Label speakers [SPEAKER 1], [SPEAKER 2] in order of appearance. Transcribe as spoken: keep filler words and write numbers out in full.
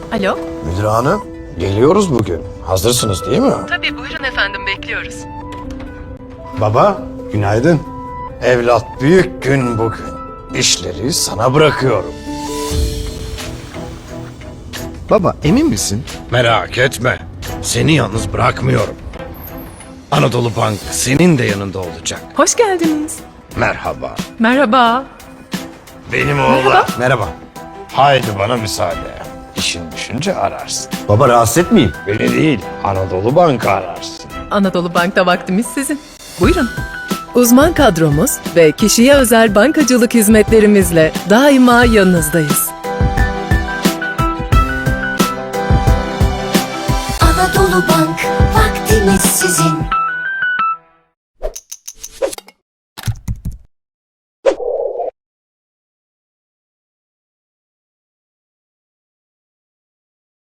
[SPEAKER 1] Alo?
[SPEAKER 2] Müdür hanım, geliyoruz bugün. Hazırsınız değil mi?
[SPEAKER 1] Tabii buyurun efendim, bekliyoruz.
[SPEAKER 2] Baba, günaydın. Evlat, büyük gün bugün. İşleri sana bırakıyorum.
[SPEAKER 3] Baba emin misin?
[SPEAKER 2] Merak etme. Seni yalnız bırakmıyorum. Anadolu Bank senin de yanında olacak.
[SPEAKER 1] Hoş geldiniz.
[SPEAKER 2] Merhaba.
[SPEAKER 1] Merhaba.
[SPEAKER 2] Benim oğlan. Merhaba. Haydi bana müsaade. İşin düşünce ararsın.
[SPEAKER 3] Baba rahatsız etmeyeyim.
[SPEAKER 2] Beni değil, Anadolu Bank'ı ararsın.
[SPEAKER 1] Anadolu Bank'ta vaktimiz sizin. Buyurun. Uzman kadromuz ve kişiye özel bankacılık hizmetlerimizle daima yanınızdayız.